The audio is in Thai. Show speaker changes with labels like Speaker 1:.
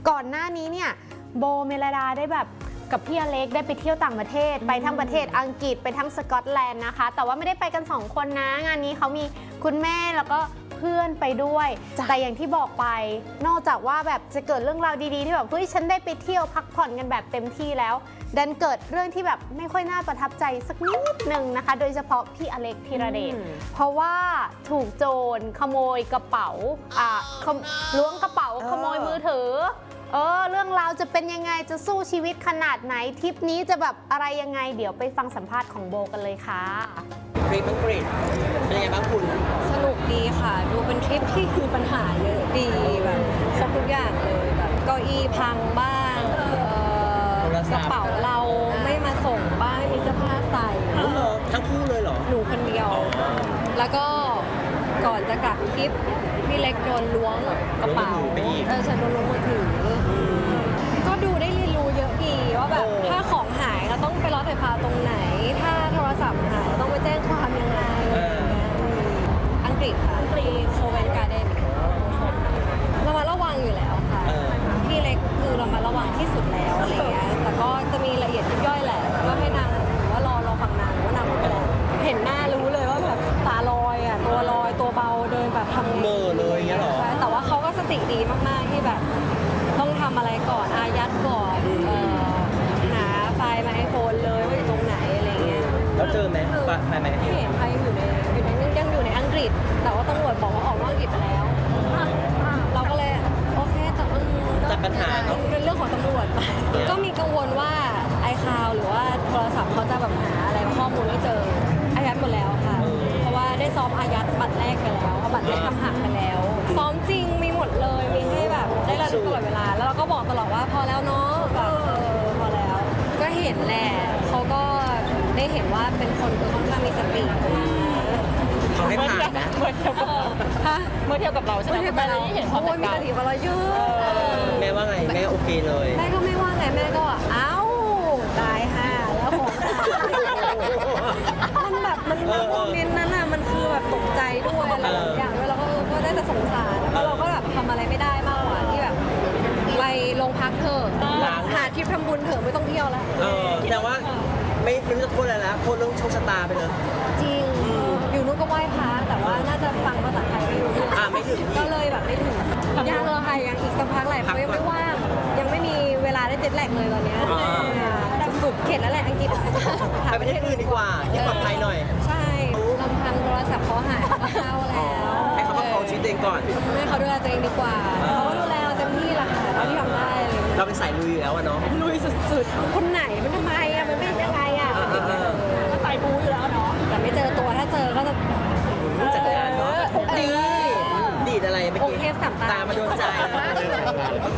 Speaker 1: ก่อนหน้านี้เนี่ยโบเมลดาได้แบบกับพี่อเล็กได้ไปเที่ยวต่างประเทศไปทั้งประเทศอังกฤษไปทั้งสกอตแลนด์นะคะแต่ว่าไม่ได้ไปกัน2คนนะงานนี้เขามีคุณแม่แล้วก็เพื่อนไปด้วยแต่อย่างที่บอกไปนอกจากว่าแบบจะเกิดเรื่องราวดีๆที่แบบเฮ้ยฉันได้ไปเที่ยวพักผ่อนกันแบบเต็มที่แล้วดันเกิดเรื่องที่แบบไม่ค่อยน่าประทับใจสักนิดนึงนะคะโดยเฉพาะพี่อเล็กธีรเดชเพราะว่าถูกโจรขโมยกระเป๋าล้วงกระเป๋าขโมยมือถือเรื่องราวจะเป็นยังไงจะสู้ชีวิตขนาดไหนทริปนี้จะแบบอะไรยังไงเดี๋ยวไปฟังสัมภาษณ์ของโบกันเลยค่ะ
Speaker 2: ทริปอังกฤษเป็นยังไงบ้างคุณ
Speaker 3: สนุกดีค่ะดูเป็นทริปที่คือปัญหาเยอะดีแบบครบทุกอย่างเลยแบบเก้าอี้พังบ้างกระเป๋าเราไม่มาส่งบ้างไม่มีเสื้อผ้าใส่
Speaker 2: ทั้งคู่เลยเหรอ
Speaker 3: หนูคนเดียวแล้วก็ก่อนจะกลับทริปพี่เล็กโดนล้วงกระเป๋าฉันโดนล้วงมือถือก็ดูได้เรียนรู้เยอะดีว่าแบบถ้าของหายเราต้องไปรอไฟฟ้าตรงไหนถ้าโทรศัพท์หายเราต้องไปแจ้งความยังไงอังกฤษค่ะที่โคเวนการ์เดนเรามาระวังอยู่แล้วค่ะพี่เล็กคือเรามาระวังที่สุดแล้วอะไรเงี้ยแต่ก็จะมีละเอียดยิบย่อยแหละก็ให้นางหรือว่ารอฟังนางว่านางรู้ไปแล้วเห็นหน้ารู้เลยว่าแบบตาลอยอ่ะตัวลอยตัวเบาเดินแบบทำ
Speaker 2: เมอเลยอย่างเงี้ยหรอ
Speaker 3: แต่ว่าเขาก็สติดีมากๆที่แบบต้องทำอะไรก่อนอายัดก่อนหาไฟล์มาไอโฟนเลยว่าอยู่ตรงไหนอะไรเงี้ย
Speaker 2: แล้วเจอไหมไฟล์ไหม
Speaker 3: ไม่เห็นใครยังอยู่ในยังอยู่ในอังกฤษแต่ว่าตำรวจบอกว่าออกนอกอังกฤษไปแล้วเราก็เลยโอเคแต่
Speaker 2: ปัญหาเนาะ
Speaker 3: เป็นเรื่องของตำรวจก็มีกังวลว่าไอคาวหรือว่าโทรศัพท์เขาจะแบบหาอะไรข้อมูลไม่เจออายัดหมดแล้วค่ะเพราะว่าได้ซ้อมอายัดบัตรแรกไปแล้วบัตรแรกทำหักไปแล้วซ้อมจริงมีหมดเลยมีให้แบบได้ระลึกตลอดเวลาแล้วเราก็บอกตลอดว่าพอแล้วเนาะแบบพอแล้วก็เห็นแหละเขาก็ได้เห็นว่าเป็นคนค่อนข้างมีสติ
Speaker 2: เขาให้ผ่านนะ
Speaker 3: เมื่อเทียบกับเราใช่ไหมเมื่อเทียบกับเราเห็นเขามีสติกับเราเยอะ
Speaker 2: แม่ว่าไงแม่โอเคเลย
Speaker 3: แม่ก็ไม่ว่าไงแม่ก็เอ้าตายห่าแล้วของมันแบบมันโมเมนต์นั้นอ่ะมันคือแบบตกใจด้วยอะไรอย่างด้วยเราก็ได้แต่สงสารแล้วเราก็แบบทำอะไรไม่ได้มากกว่าที่แบบไปโรงพักเถอะหาทริปทำบุญเถอะไม่ต้องเที่ยวแล้ว
Speaker 2: แต่ว่าไม่รู้จะโทษอะไรแล้วโทษเรื่องโชคชะตาไปเลย
Speaker 3: จริงอยู่นู้นก็ไหว้พระแต่ว่าน่าจะฟังภาษาไทยไม่รู้
Speaker 2: ไม่ถึง
Speaker 3: ก็เลยแบบไม่ถึงยังเลยค่ะยังอีกสักพักหลายเพราะยังไม่ว่างยังไม่มีเวลาได้เจ็ตแลกเลยตอนนี้สุดเข็ดแล้วแหละอังกฤษ
Speaker 2: ไปประเทศอื่นดีกว่าที่ปลอดภัยหน่อย
Speaker 3: ใช่ลำพังโทรศัพท์เขาหายก็เศร้าแล้ว
Speaker 2: ให้เขามาครองชีวิตตัวเองก่อน
Speaker 3: ให้เขาดูแลตัวเองดีกว่าเขาก็ดูแลเราเต็มที่แหละค่ะเราที่ทำได้
Speaker 2: เราเป็นสายลุยอยู่แล้วอะเนาะ
Speaker 3: ลุยสุดๆคนไหนมันทำไมอะมันไม่ยังไงอะก็สายบูอยู่แล้วเนาะแต่ไม่เจอตัวถ้าเจอก็จะ
Speaker 2: จัดการเนาะดีอะไรเมื่อกี้
Speaker 3: องค์เทพสามตา
Speaker 2: มาโดนใจ